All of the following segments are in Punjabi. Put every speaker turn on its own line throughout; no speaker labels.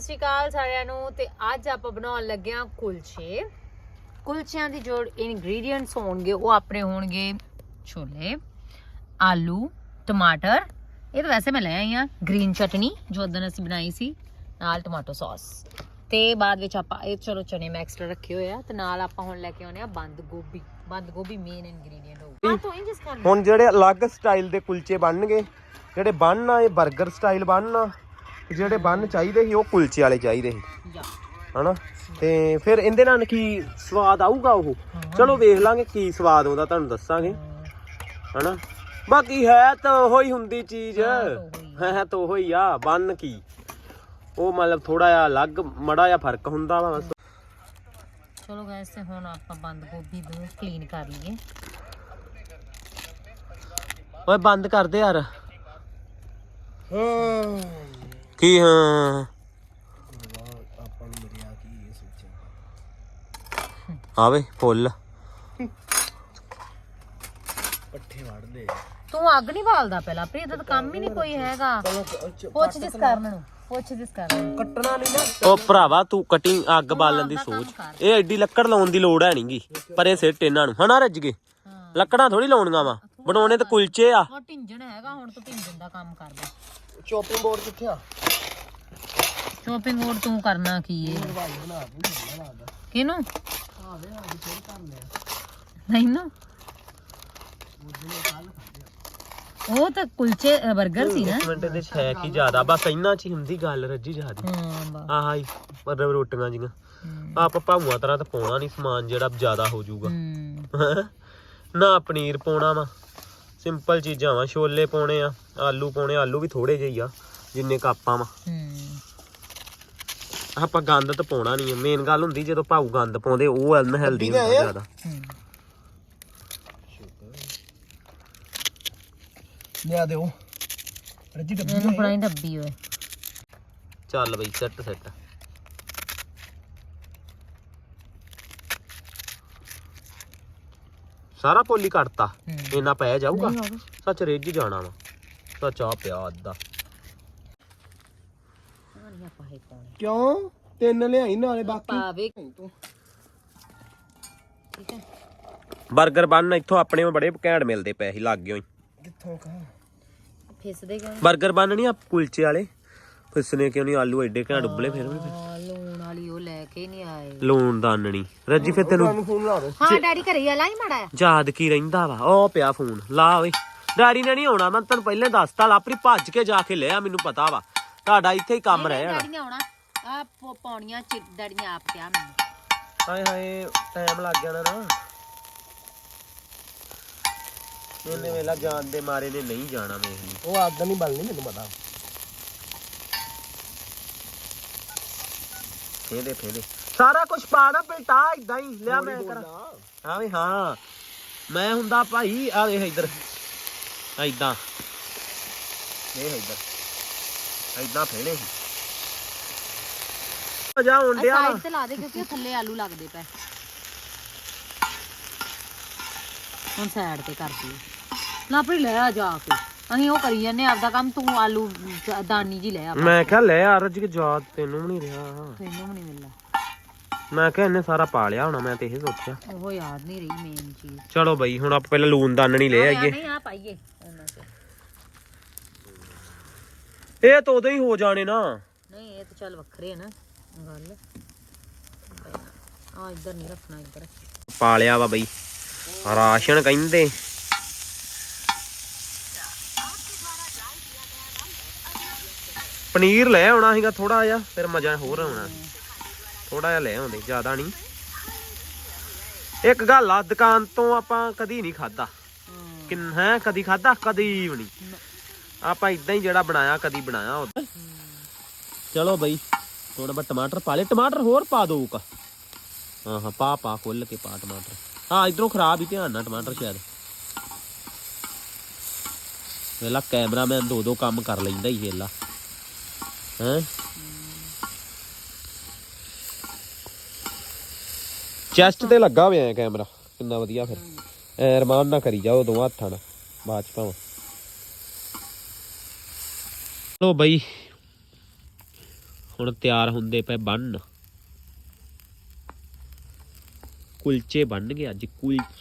ਸ਼੍ਰੀ ਅਕਾਲ ਸਾਰਿਆਂ ਨੂੰ। ਤੇ ਅੱਜ ਆਪਾਂ ਬਣਾਉਣ ਲੱਗੇ ਆ ਕੁਲਚੇ। ਕੁਲਚਿਆਂ ਦੀ ਜੋ ਇਨਗਰੀਡੀਐਂਟਸ ਹੋਣਗੇ ਉਹ ਆਪਣੇ ਹੋਣਗੇ ਛੋਲੇ, ਆਲੂ, ਟਮਾਟਰ। ਇਹ ਤਾਂ ਵੈਸੇ ਮੈਂ ਲੈ ਆਈ ਆ ਗ੍ਰੀਨ ਚਟਨੀ ਜੋ ਉਦੋਂ ਅਸੀਂ ਬਣਾਈ ਸੀ, ਨਾਲ ਟਮਾਟੋ ਸੌਸ। ਤੇ ਬਾਅਦ ਵਿੱਚ ਆਪਾਂ ਇਹ ਚਲੋ ਚਨੇ ਮੈਂ ਐਕਸਟਰਾ ਰੱਖੇ ਹੋਏ ਆ। ਤੇ ਨਾਲ ਆਪਾਂ ਹੁਣ ਲੈ ਕੇ ਆਉਣੇ ਆ ਬੰਦ ਗੋਭੀ। ਬੰਦ ਗੋਭੀ ਮੇਨ ਇਨਗਰੀਡੀਐਂਟ ਹੋਊਗਾ। ਤੋਂ ਹੀ ਜਿਸ ਕਰਨਾ
ਹੁਣ ਜਿਹੜੇ ਅਲੱਗ ਸਟਾਈਲ ਦੇ ਕੁਲਚੇ ਬਣਨਗੇ, ਜਿਹੜੇ ਬਣਨਾ ਇਹ 버ਗਰ ਸਟਾਈਲ ਬਣਨਾ, ਜਿਹੜੇ ਬਣ ਚਾਹੀਦੇ ਸੀ ਉਹ ਕੁਲਚੇ ਵਾਲੇ ਚਾਹੀਦੇ ਸੀ ਹਨਾ। ਤੇ ਫਿਰ ਇਹਦੇ ਨਾਲ ਕੀ ਸਵਾਦ ਆਊਗਾ ਉਹ ਚਲੋ ਵੇਖ ਲਾਂਗੇ ਕੀ ਸਵਾਦ ਆਉਂਦਾ, ਤੁਹਾਨੂੰ ਦੱਸਾਂਗੇ ਹਨਾ। ਬਾਕੀ ਹੈ ਤਾਂ ਉਹੀ ਹੁੰਦੀ ਚੀਜ਼, ਹੈ ਤਾਂ ਉਹੀ ਆ। ਬਣ ਕੀ ਉਹ ਮਤਲਬ ਥੋੜਾ ਜਿਹਾ ਅਲੱਗ ਮੜਾ ਜਿਹਾ ਫਰਕ ਹੁੰਦਾ ਵਾ ਬਸ।
ਚਲੋ ਗਾਇਸ ਤੇ ਹੁਣ ਆਪਾਂ ਬੰਦ ਗੋਭੀ ਨੂੰ ਕਲੀਨ ਕਰ ਲਈਏ।
ਓਏ ਬੰਦ ਕਰ ਦੇ ਯਾਰ। ਕੀ ਹਾਂ ਆਵੇ ਫੁੱਲ ਪੱਠੇ ਵੜਦੇ।
ਤੂੰ ਅੱਗ ਨਹੀਂ ਬਾਲਦਾ ਪਹਿਲਾਂ ਪ੍ਰੀ, ਇਹਦਾ ਤਾਂ ਕੰਮ ਹੀ ਨਹੀਂ ਕੋਈ ਹੈਗਾ। ਪੁੱਛ ਜਿਸ ਕਰਨ ਨੂੰ, ਪੁੱਛ ਜਿਸ ਕਰਨ
ਕੱਟਣਾ ਨਹੀਂ ਨਾ। ਉਹ ਭਰਾਵਾ ਤੂੰ ਕਟਿੰਗ ਅੱਗ ਬਾਲਣ ਦੀ ਸੋਚ, ਇਹ ਐਡੀ ਲੱਕੜ ਲਾਉਣ ਦੀ ਲੋੜ ਹੈ ਨਹੀਂਗੀ। ਪਰ ਇਹ ਸਿੱਟ ਇਹਨਾਂ ਨੂੰ ਹਨਾ ਰੱਜ ਗਏ। ਲੱਕੜਾਂ ਥੋੜੀ ਲਾਉਣੀਆਂ ਵਾ, ਬਣਾਉਣੇ ਤਾਂ ਕੁਲਚੇ ਆ।
ਉਹ ਢਿੰਜਣ ਹੈਗਾ, ਹੁਣ ਤੂੰ ਢਿੰਜਣ ਦਾ ਕੰਮ ਕਰਦਾ।
ਚੌਪਿੰਗ ਬੋਰਡ ਕਿੱਥੇ ਆ?
ਚੌਪਿੰਗ ਬੋਰਡ ਤੂੰ ਕਰਨਾ ਕੀ ਏ? ਕਿਹਨੂੰ ਮੈਨੂੰ? ਉਹ ਤਾਂ ਕੁਲਚੇ 버ਗਰ ਸੀ ਨਾ।
ਇੱਕ ਮਿੰਟ ਦੇ ਹੈ ਕੀ ਜ਼ਿਆਦਾ, ਬਸ ਇੰਨਾ ਚ ਹੀ ਹੁੰਦੀ ਗੱਲ ਰੱਜੀ ਜ਼ਿਆਦੀ। ਆਹ ਹੀ ਮਤਲਬ ਰੋਟੀਆਂ ਜੀਆਂ ਆਪਾਂ ਭਾਊਆਂ ਤਰ੍ਹਾਂ ਤਾਂ ਪਾਉਣਾ ਨਹੀਂ ਸਮਾਨ ਜਿਹੜਾ ਜ਼ਿਆਦਾ ਹੋ ਜਾਊਗਾ ਨਾ। ਪਨੀਰ ਪਾਉਣਾ ਵਾ, ਸਿੰਪਲ ਚੀਜ਼ਾਂ ਵਾ। ਛੋਲੇ ਪਾਉਣੇ ਆ, ਆਲੂ ਪਾਉਣੇ, ਆਲੂ ਵੀ ਥੋੜੇ ਜਿਹੇ ਆ ਜਿੰਨੇ ਕੱਪਾਂ ਵਾ। ਆਪਾਂ ਗੰਦ ਤਾਂ ਪਾਉਣਾ ਨਹੀਂ। ਮੇਨ ਗੱਲ ਹੁੰਦੀ ਜਦੋਂ ਭਾਊ ਗੰਦ ਪਾਉਂਦੇ ਉਹ ਅਨਹੈਲਦੀ ਹੁੰਦਾ ਜ਼ਿਆਦਾ। ਲਿਆ ਦਿਓ ਰੱਜੀ ਡੱਬੀ,
ਇਹਨੂੰ ਬਣਾਈ ਡੱਬੀ ਓਏ।
ਚੱਲ ਬਈ ਸੈੱਟ ਸੈੱਟ। ਸਾਰਾ ਪੋਲੀ ਕੱਟਤਾ, ਇੰਨਾ ਪੈ ਜਾਊਗਾ। ਸੱਚ ਰਿੱਝ ਜਾਣਾ ਵਾ, ਸੱਚ ਆ ਪਿਆ ਅੱਧਾ। ਕਿਉਂ ਤਿੰਨ ਲਿਆਈ ਨਾਲੇ ਬਾਕੀ ਤੂੰ। ਠੀਕ ਹੈ 버ਗਰ ਬਣ ਇੱਥੋਂ ਆਪਣੇ ਬੜੇ ਘੈਂਟ ਮਿਲਦੇ ਪਏ ਸੀ ਲਾਗੇ ਹੋਈ। ਕਿੱਥੋਂ ਕਾ
ਫਿਸਦੇ ਕਿਉਂ?
버ਗਰ ਬਣ ਨਹੀਂ ਆ ਕੁਲਚੇ ਵਾਲੇ, ਫਿਸਨੇ ਕਿਉਂ ਨਹੀਂ? ਆਲੂ ਐਡੇ ਘੈਂਟ ਉਬਲੇ। ਫਿਰ ਵੀ
ਲੂਣ ਵਾਲੀ ਉਹ ਲੈ ਕੇ ਨਹੀਂ ਆਏ।
ਲੂਣ ਦਾਨਣੀ ਰੱਜੀ। ਫਿਰ ਤੈਨੂੰ
ਹਾਂ ਡੈਡੀ ਘਰੇ ਆ, ਲਾਈ ਮਾੜਾ
ਯਾਦ ਕੀ ਰਹਿੰਦਾ ਵਾ? ਉਹ ਪਿਆ ਫੋਨ ਲਾ ਓਏ। ਡੈਡੀ ਨੇ ਨਹੀਂ ਆਉਣਾ, ਮੈਂ ਤੈਨੂੰ ਪਹਿਲੇ ਦੱਸਤਾ। ਲਾਪਰੀ ਭੱਜ ਕੇ ਜਾ ਕੇ ਲਿਆ, ਮੈਨੂੰ ਪਤਾ ਵਾ ਤੁਹਾਡਾ ਇੱਥੇ ਹੀ ਕੰਮ ਰਹਿ ਜਾਣਾ।
ਡੈਡੀ ਨੇ ਆਉਣਾ ਆ ਪੌਣੀਆਂ ਚ, ਡੈਡੀ ਨੇ ਆਪ ਕਿਹਾ ਮੈਨੂੰ।
ਹਾਏ ਹਾਏ ਟਾਈਮ ਲੱਗ ਜਾਣਾ ਨਾ। ਇਹਨੇ ਵੇਲਾ ਜਾਣ ਦੇ ਮਾਰੇ ਨੇ ਨਹੀਂ ਜਾਣਾ। ਵੇਖ ਉਹ ਆਦਤ ਨਹੀਂ ਬਣਨੀ, ਮੈਨੂੰ ਪਤਾ। ਫੇਦੇ ਫੇਦੇ ਸਾਰਾ ਕੁਝ ਪਾਣਾ ਬੇਟਾ, ਇਦਾਂ ਹੀ ਲਿਆ ਮੈਂ ਕਰਾਂ। ਹਾਂ ਵੀ ਹਾਂ ਮੈਂ ਹੁੰਦਾ ਭਾਈ। ਆ ਵੇਖ ਇੱਧਰ ਇਦਾਂ, ਇਹ ਇੱਧਰ ਇਦਾਂ ਫੇੜੇ ਜਾ ਹੁੰਡਿਆ
ਸਾਈਡ ਤੇ ਲਾ ਦੇ, ਕਿਉਂਕਿ ਉਹ ਥੱਲੇ ਆਲੂ ਲੱਗਦੇ ਪਏ। ਹੁਣ ਸਾਈਡ ਤੇ ਕਰਦੀ ਨਾ ਆਪਣੀ ਲੈ ਆ ਜਾ ਕੇ। ਅਸੀਂ ਉਹ ਕਰੀ ਜਾਂਦੇ ਆਪਦਾ ਕੰਮ, ਤੂੰ ਆਲੂ ਦਾਨੀ ਜੀ ਲੈ ਆ।
ਮੈਂ ਕਿਹਾ ਲੈ ਆ ਰੱਜ ਕੇ ਯਾਦ ਤੈਨੂੰ ਵੀ ਨਹੀਂ ਰਿਹਾ।
ਤੈਨੂੰ ਵੀ ਨਹੀਂ ਮਿਲਦਾ।
ਮੈਂ ਕਿਹਾ ਇਹਨੇ ਸਾਰਾ ਪਾ ਲਿਆ ਹੋਣਾ, ਮੈਂ ਤੇ ਇਹ ਸੋਚਿਆ।
ਉਹ ਯਾਦ ਨਹੀਂ ਰਹੀ ਮੇਨ ਚੀਜ਼।
ਚਲੋ ਬਈ ਹੁਣ ਆਪਾਂ ਪਹਿਲਾਂ ਲੂਣ ਦਾਨਣੀ ਲੈ ਆਈਏ।
ਨਹੀਂ ਆ ਪਾਈਏ ਉਹਨਾਂ ਚ।
ਇਹ ਤਾਂ ਉਦੋਂ ਹੀ ਹੋ ਜਾਣੇ ਨਾ।
ਨਹੀਂ ਇਹ ਤਾਂ ਚੱਲ ਵੱਖਰੇ ਆ ਨਾ ਗੱਲ। ਆ ਇੱਧਰ ਨਹੀਂ ਰੱਖਣਾ, ਇੱਧਰ
ਪਾ ਲਿਆ ਵਾ ਬਈ ਰਾਸ਼ਨ ਕਹਿੰਦੇ। ਪਨੀਰ ਲੈ ਆਉਣਾ ਸੀਗਾ ਥੋੜਾ ਜਿਹਾ, ਫਿਰ ਮਜ਼ਾ ਹੋਰ ਆਉਣਾ। ਥੋੜਾ ਜਿਹਾ ਲੈ ਆਉਂਦੇ, ਜ਼ਿਆਦਾ ਨਹੀਂ। ਇੱਕ ਗੱਲ ਆ, ਦੁਕਾਨ ਤੋਂ ਆਪਾਂ ਕਦੀ ਨਹੀਂ ਖਾਦਾ। ਹੈ ਕਦੀ ਖਾਦਾ? ਕਦੀ ਵੀ ਨਹੀਂ। ਆਪਾਂ ਇਦਾਂ ਹੀ ਜਿਹੜਾ ਬਣਾਇਆ ਕਦੀ ਬਣਾਇਆ ਉਦੋਂ। ਚਲੋ ਬਈ ਥੋੜਾ ਬਹੁਤ ਟਮਾਟਰ ਪਾ ਲੈ। ਟਮਾਟਰ ਹੋਰ ਪਾ ਦੋ ਕਾ? ਹਾਂ ਹਾਂ ਪਾ ਖੁੱਲ ਕੇ ਪਾ ਟਮਾਟਰ। ਹਾਂ ਇਧਰੋਂ ਖਰਾਬ ਹੀ ਧਿਆਨ ਨਾਲ ਟਮਾਟਰ ਸ਼ਾਇਦ। ਵੇਲਾ ਕੈਮਰਾਮੈਨ ਦੋ ਕੰਮ ਕਰ ਲੈਂਦਾ ਹੀ ਵੇਲਾ ਹੈ। ਚੈਸਟ ਤੇ ਲੱਗਾ ਹੋਇਆ ਕੈਮਰਾ, ਕਿੰਨਾ ਵਧੀਆ। ਫਿਰ ਰਮਾਨ ਨਾ ਕਰੀ ਜਾਓ ਦੋਵਾਂ ਹੱਥਾਂ ਨਾਲ, ਬਾਅਦ ਚ ਭਾਵਾਂ। ਲੋ ਬਈ ਹੁਣ ਤਿਆਰ ਹੁੰਦੇ ਪਏ ਬੰਨ ਕੁਲਚੇ ਬਣ ਗਏ ਅੱਜ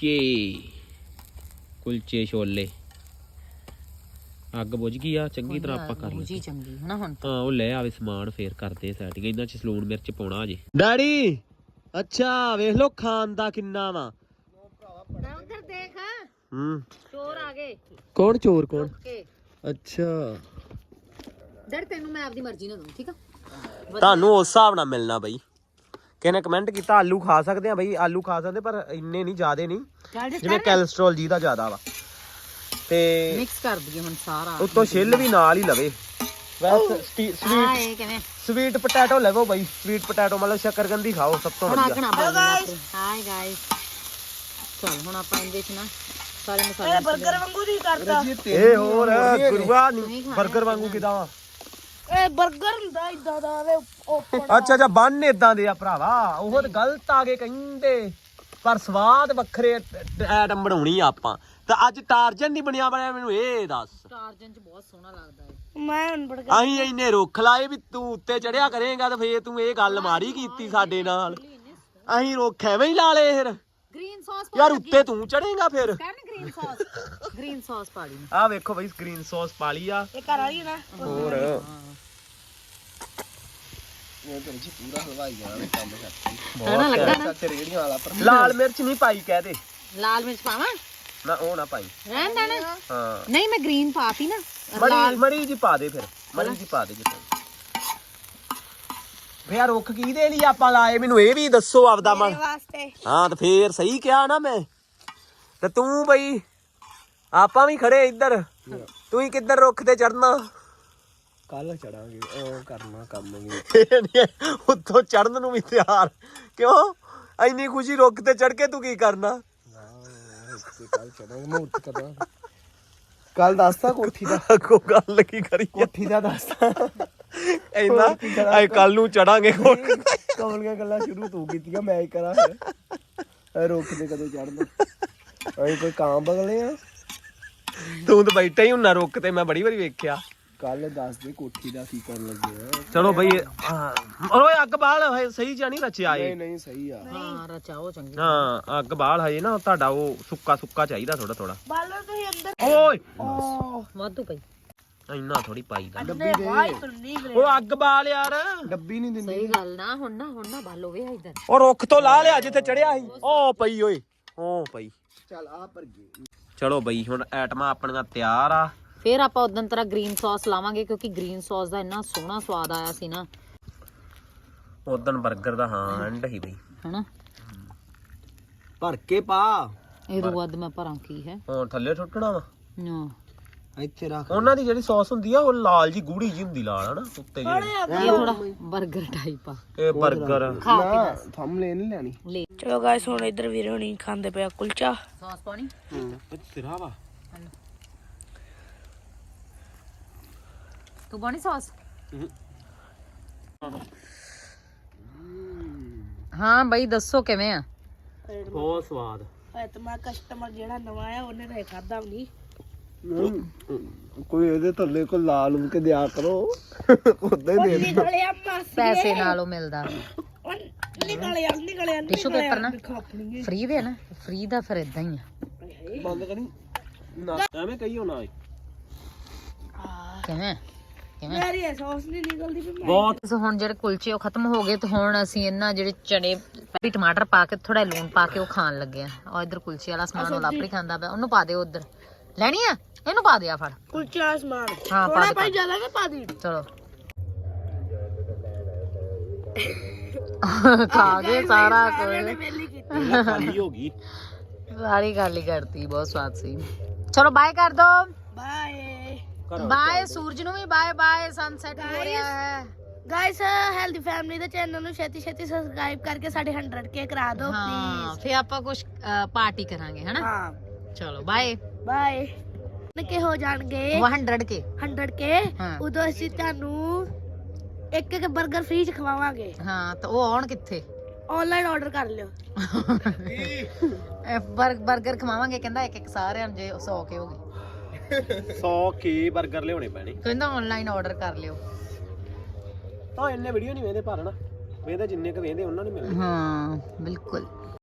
ਕੁਲਚੇ ਛੋਲੇ ਅੱਗ ਬੁਝ ਗਈ ਆ ਚੰਗੀ ਤਰ੍ਹਾਂ ਆਪਾਂ ਕਰ ਲਈ
ਚੰਗੀ ਹਨਾ ਹੁਣ
ਹਾਂ ਉਹ ਲੈ ਆਵੇ ਸਮਾਨ ਫੇਰ ਕਰਦੇ ਸੈਟਿੰਗ ਇਹਨਾਂ ਚ ਸਲੂਣ ਮਿਰਚ ਪਾਉਣਾ ਅਜੇ ਡੈਡੀ ਅੱਛਾ ਵੇਖ ਲੋ ਖਾਨ ਦਾ ਕਿੰਨਾ ਵਾ
ਉਧਰ ਦੇਖ ਚੋਰ ਆ ਗਏ
ਕੌਣ ਚੋਰ ਕੌਣ ਅੱਛਾ
ਡਰ ਤੈਨੂੰ ਮੈਂ ਆਪਦੀ ਮਰਜ਼ੀ ਨਾਲ ਦਊਂ ਠੀਕ ਆ
ਤੁਹਾਨੂੰ ਉਸ ਹਿਸਾਬ ਨਾਲ ਮਿਲਣਾ ਬਈ ਕਿਹਨੇ ਕਮੈਂਟ ਕੀਤਾ ਆਲੂ ਖਾ ਸਕਦੇ ਆ ਬਈ ਆਲੂ ਖਾ ਸਕਦੇ ਪਰ ਇੰਨੇ ਨਹੀਂ ਜ਼ਿਆਦੇ ਨਹੀਂ ਜਿਵੇਂ ਕੋਲੇਸਟ੍ਰੋਲ ਜੀ ਦਾ ਜ਼ਿਆਦਾ ਵਾ ਤੇ
ਮਿਕਸ ਕਰ ਦਈਏ ਹੁਣ ਸਾਰਾ
ਉੱਤੋਂ ਛਿੱਲ ਵੀ ਨਾਲ ਹੀ ਲਵੇ ਵੈਸੇ ਸਵੀਟ ਪੋਟੈਟੋ ਲਵੋ ਬਈ ਸਵੀਟ ਪੋਟੈਟੋ ਮਤਲਬ ਸ਼ੱਕਰਕੰਦੀ ਖਾਓ ਸਭ ਤੋਂ ਵਧੀਆ
ਹਾਈ ਗਾਇਸ ਚਲ ਹੁਣ ਆਪਾਂ ਇਹਦੇ ਚ ਨਾ ਸਾਰੇ ਮਸਾਲੇ ਇਹ 버ਗਰ ਵਾਂਗੂ ਨਹੀਂ ਕਰਦਾ
ਇਹ ਹੋਰ ਗੁਰੂਆ ਨਹੀਂ 버ਗਰ ਵਾਂਗੂ ਕਿਦਾਂ ਵਾ
ਇਹ 버ਗਰ ਹੁੰਦਾ ਇਦਾਂ ਦਾ ਵੇ
ਅੱਛਾ ਬੰਨ ਇਦਾਂ ਦੇ ਆ ਭਰਾਵਾ ਉਹ ਤਾਂ ਗਲਤ ਆ ਗਏ ਕਹਿੰਦੇ ਪਰ ਸਵਾਦ ਵੱਖਰੇ ਐਟਮ ਬਣਾਉਣੀ ਆਪਾਂ ਤਾਂ ਅੱਜ ਟਾਰਜਨ ਨਹੀਂ ਬਣਿਆ ਮੈਨੂੰ ਇਹ ਦੱਸ
ਟਾਰਜਨ ਚ ਬਹੁਤ ਸੋਹਣਾ ਲੱਗਦਾ ਹੈ
ਮੈਂ ਹੁਣ 버ਗਰ
ਅਸੀਂ ਇੰਨੇ ਰੁੱਖ ਲਾਏ ਵੀ ਤੂੰ ਉੱਤੇ ਚੜਿਆ ਕਰੇਗਾ ਤੇ ਫੇਰ ਤੂੰ ਇਹ ਗੱਲ ਮਾਰੀ ਕੀਤੀ ਸਾਡੇ ਨਾਲ ਅਸੀਂ ਰੁੱਖ ਐਵੇਂ ਹੀ ਲਾ ਲਏ ਫਿਰ
ਗ੍ਰੀਨ ਸੌਸ
ਯਾਰ ਉੱਤੇ ਤੂੰ ਚੜੇਗਾ ਫਿਰ
ਗ੍ਰੀਨ ਸੌਸ ਪਾ ਲਈ
ਆ ਵੇਖੋ ਬਈ ਗ੍ਰੀਨ ਸੌਸ ਪਾ ਲਈ ਆ
ਇਹ ਘਰ ਵਾਲੀ ਨਾ
ਹੋਰ
ਇਹ ਤਾਂ ਜੀ ਪੂਰਾ ਹਲਵਾਈ ਜਾਣਾ ਕੰਮ ਕਰਦੀ
ਸੋਹਣਾ ਲੱਗਾ ਨਾ
ਤੇ ਰੇੜੀਆਂ ਵਾਲਾ ਪਰ
ਲਾਲ ਮਿਰਚ ਨਹੀਂ ਪਾਈ ਕਹਿ ਦੇ
ਲਾਲ ਮਿਰਚ ਪਾਵਾਂ
ਨਾ ਉਹ ਨਾ ਪਾਈ
ਰਹਿਣ ਦੇਣਾ
ਹਾਂ
ਨਹੀਂ ਮੈਂ ਗ੍ਰੀਨ ਪਾਤੀ ਨਾ
ਮੜੀ ਜੀ ਪਾ ਦੇ ਫਿਰ ਮੜੀ ਜੀ ਪਾ ਦੇ ਜਿੱਥੇ ਫੇਰ ਰੁੱਖ ਕੀ ਦੇ ਲਈ ਆਪਾਂ ਲਾਏ ਮੈਨੂੰ ਇਹ ਵੀ ਦੱਸੋ ਆਪਦਾ ਮਨ
ਵਾਸਤੇ
ਹਾਂ ਤੇ ਫੇਰ ਸਹੀ ਕਿਹਾ ਨਾ ਮੈਂ ਤੇ ਤੂੰ ਬਈ ਆਪਾਂ ਵੀ ਖੜੇ ਇੱਧਰ ਤੂੰ ਹੀ ਕਿੱਧਰ ਰੁੱਖ ਤੇ ਚੜਨਾ
ਕੱਲ ਚੜਾਂਗੇ ਉਹ ਕਰਨਾ ਕੰਮ ਵੀ
ਉੱਥੋਂ ਚੜਨ ਨੂੰ ਵੀ ਤਿਆਰ ਕਿਉਂ ਇੰਨੀ ਖੁਸ਼ੀ ਰੁੱਖ ਤੇ ਚੜ ਕੇ ਤੂੰ ਕੀ ਕਰਨਾ
ਕੱਲ ਚੜਾਂਗੇ ਮੂਰਤ ਕਰਾਂ ਕੱਲ ਦੱਸਤਾ ਕੋਠੀ ਦਾ
ਕੋ ਗੱਲ ਕੀ ਕਰੀ
ਕੋਠੀ ਦਾ ਦੱਸਤਾ
ਇੰਨਾ ਆਏ ਕੱਲ ਨੂੰ ਚੜਾਂਗੇ
ਕਮਲੀਆਂ ਗੱਲਾਂ ਸ਼ੁਰੂ ਤੂੰ ਕੀਤੀਆਂ ਮੈਂ ਹੀ ਕਰਾਂ ਫਿਰ ਰੁੱਖ ਤੇ ਕਦੋਂ ਚੜਨਾ ਅਸੀਂ ਕੋਈ ਕਾਂ ਬਗਲੇ ਆ
ਤੂੰ ਤਾਂ ਬੈਠਾ ਹੀ ਹੁੰਨਾ ਰੁੱਖ ਤੇ ਮੈਂ ਬੜੀ ਵਾਰੀ ਵੇਖਿਆ
ਕੱਲ ਦੱਸ ਦੇ ਕੋਠੀ ਦਾ ਕੀ ਕਰਨ ਲੱਗੇ ਆ
ਚਲੋ ਬਈ ਓਏ ਅੱਗ ਬਾਲ ਸਹੀ ਜਾਂ ਨਹੀਂ ਰਚਿਆ ਏ
ਨਹੀਂ ਸਹੀ ਆ
ਹਾਂ ਰਚਾਓ ਚੰਗੀ
ਹਾਂ ਅੱਗ ਬਾਲ ਹਜੇ ਨਾ ਤੁਹਾਡਾ ਉਹ ਸੁੱਕਾ ਚਾਹੀਦਾ ਥੋੜਾ
ਬਾਲੋ ਤੁਸੀਂ ਅੰਦਰ
ਓਏ
ਵਾਧੂ ਪਈ
ਇੰਨਾ ਥੋੜੀ ਪਾਈਦਾ
ਡੱਬੀ ਦੇ
ਉਹ ਅੱਗ ਬਾਲ ਯਾਰ
ਡੱਬੀ ਨਹੀਂ ਦਿੰਦੀ
ਸਹੀ ਗੱਲ ਨਾ ਹੁਣ ਨਾ ਬਾਲੋ ਵੇ ਇਧਰ
ਉਹ ਰੁੱਖ ਤੋਂ ਲਾ ਲਿਆ ਜਿੱਥੇ ਚੜਿਆ ਸੀ ਉਹ ਪਈ ਓਏ ਉਹ ਪਈ
ਚੱਲ ਆ ਪਰ ਗਈ
ਚਲੋ ਬਈ ਹੁਣ ਐਟਮਾਂ ਆਪਣੀਆਂ ਤਿਆਰ ਆ
ਫਿਰ ਆਪਾਂ ਉਦੋਂ ਤਰ੍ਹਾਂ ਗ੍ਰੀਨ ਸੌਸ ਲਾਵਾਂਗੇ ਕਿਉਂਕਿ ਗ੍ਰੀਨ ਸੌਸ ਦਾ ਇੰਨਾ ਸੋਹਣਾ ਸਵਾਦ ਆਇਆ ਸੀ ਨਾ
ਉਦੋਂ 버ਗਰ ਦਾ ਹਾਂ ਐਂਡ ਹੀ ਬਈ
ਹਨਾ
ਭਰ ਕੇ ਪਾ
ਇਹ ਤੋਂ ਵੱਧ ਮੈਂ ਭਰਾਂ ਕੀ ਹੈ
ਹੁਣ ਥੱਲੇ ਸੁੱਟਣਾ ਵਾ
ਨਾ
ਇੱਥੇ ਰੱਖ
ਉਹਨਾਂ ਦੀ ਜਿਹੜੀ ਸੌਸ ਹੁੰਦੀ ਆ ਉਹ ਲਾਲ ਜੀ ਗੂੜੀ ਜੀ ਹੁੰਦੀ ਲਾਲ ਹਨਾ ਉੱਤੇ ਜਿਹੜੀ
ਇਹ ਥੋੜਾ 버ਗਰ ਟਾਈਪ ਆ
ਇਹ 버ਗਰ
ਨਾ ਥੰਮ ਲੈ ਨਹੀਂ ਲੈਣੀ
ਲੈ
ਚਲੋ ਗਾਇਸ ਹੁਣ ਇੱਧਰ ਵੀਰੇ ਹੁਣੀ ਖਾਂਦੇ ਪਿਆ ਕੁਲਚਾ
ਸੌਸ ਪਾਣੀ
ਸਿਰਾ ਵਾ
ਤੂੰ ਪਾਣੀ ਸੌਸ ਹਾਂ ਬਈ ਦੱਸੋ ਕਿਵੇਂ ਆ
ਬਹੁਤ ਸਵਾਦ
ਐ ਤਾਂ ਮੈਂ ਕਸਟਮਰ ਜਿਹੜਾ ਨਵਾਂ ਆਇਆ ਉਹਨੇ ਤਾਂ ਖਾਦਾ ਵੀ
ਕੋਈ ਇਹਦੇ ਥੱਲੇ ਕੋ ਲਾ ਲੂ ਕੇ ਦਿਆ ਕਰੋ ਉਦਾਂ ਹੀ ਦੇ
ਨਿਕਲਿਆ ਮਾਸੀ
ਪੈਸੇ ਨਾਲੋਂ ਮਿਲਦਾ
ਨਿਕਲਿਆ
ਟਿਸ਼ੂ ਪੇਪਰ ਨਾ ਫ੍ਰੀ ਦੇ ਨਾ ਫ੍ਰੀ ਦਾ ਫਿਰ ਇਦਾਂ ਹੀ ਆ
ਬੰਦ ਕਰੀ ਨਾ ਐਵੇਂ ਕਹੀਓ ਨਾ
ਕਿਵੇਂ
ਮੇਰੀ ਸੌਸ ਨਹੀਂ ਨਿਕਲਦੀ ਵੀ
ਬਹੁਤ
ਸੋ ਹੁਣ ਜਿਹੜੇ ਕੁਲਚੇ ਉਹ ਖਤਮ ਹੋ ਗਏ ਤੇ ਹੁਣ ਅਸੀਂ ਇਹਨਾਂ ਜਿਹੜੇ ਚਨੇ ਵੀ ਟਮਾਟਰ ਪਾ ਕੇ ਥੋੜਾ ਲੂਣ ਪਾ ਕੇ ਉਹ ਖਾਣ ਲੱਗੇ ਆ ਔਰ ਇਧਰ ਕੁਲਚੇ ਵਾਲਾ ਸਮਾਨ ਉਹ ਲਾਪਰੀ ਖਾਂਦਾ ਪਿਆ ਉਹਨੂੰ ਪਾ ਦੇ ਉਧਰ ਲੈਣੀ ਆ ਇਹਨੂੰ ਪਾ ਦੇ ਆ ਫੜ
ਕੁਲਚਾ ਸਮਾਨ
ਹਾਂ ਪਾ
ਥੋੜਾ
ਦੇ
ਭਾਈ ਜ਼ਿਆਦਾ ਨਾ ਪਾ ਦੀ
ਚਲੋ ਖਾ ਗਏ ਸਾਰਾ ਕੁਝ
ਵੇਲੀ ਕੀਤੀ
ਖਾਲੀ ਹੋ ਗਈ
ਸਾਰੀ ਖਾਲੀ ਕਰਤੀ ਬਹੁਤ ਸਵਾਦ ਸੀ ਚਲੋ ਬਾਏ ਕਰ ਦੋ
ਬਾਏ
ਬਾਏ ਸੂਰਜ ਨੂੰ ਵੀ ਬਾਏ ਬਾਏ ਸਨਸੈਟ ਹੋ ਰਿਹਾ ਹੈ
ਗਾਇਸ ਹੈਲਦੀ ਫੈਮਿਲੀ ਦੇ ਚੈਨਲ ਨੂੰ ਛੇਤੀ ਸਬਸਕ੍ਰਾਈਬ ਕਰਕੇ ਸਾਡੇ 100k ਕਰਾ ਦਿਓ
ਹਾਂ
ਪਲੀਜ਼
ਫੇ ਆਪਾਂ ਕੁਝ ਪਾਰਟੀ ਕਰਾਂਗੇ ਹਨਾ
ਹਾਂ
ਚਲੋ ਬਾਏ
ਬਾਏ ਕਿ ਹੋ ਜਾਣਗੇ
100k
100k
ਹਾਂ।
ਉਦੋਂ ਅਸੀਂ ਤੁਹਾਨੂੰ ਇੱਕ 버ਗਰ ਫ੍ਰੀ ਚ ਖਵਾਵਾਂਗੇ
ਹਾਂ ਤਾਂ ਉਹ ਆਉਣ ਕਿੱਥੇ
ਆਨਲਾਈਨ ਆਰਡਰ ਕਰ ਲਿਓ
버ਗਰ ਖਵਾਵਾਂਗੇ ਕਹਿੰਦਾ ਇੱਕ ਸਾਰਿਆਂ ਨੂੰ ਜੇ 100 ਕੇ ਹੋ ਗਏ
100 ਕੀ 버ਗਰ ਲਿਆਉਣੇ ਪੈਣੇ
ਕਹਿੰਦਾ ਆਨਲਾਈਨ ਆਰਡਰ ਕਰ ਲਿਓ
ਤਾਂ ਇੰਨੇ ਵੀਡੀਓ ਨਹੀਂ ਵੇਂਦੇ ਪਰ ਨਾ ਵੇਂਦੇ ਜਿੰਨੇ ਕ ਵੇਂਦੇ ਉਹਨਾਂ ਨੂੰ ਮਿਲਦੇ
ਹਾਂ ਬਿਲਕੁਲ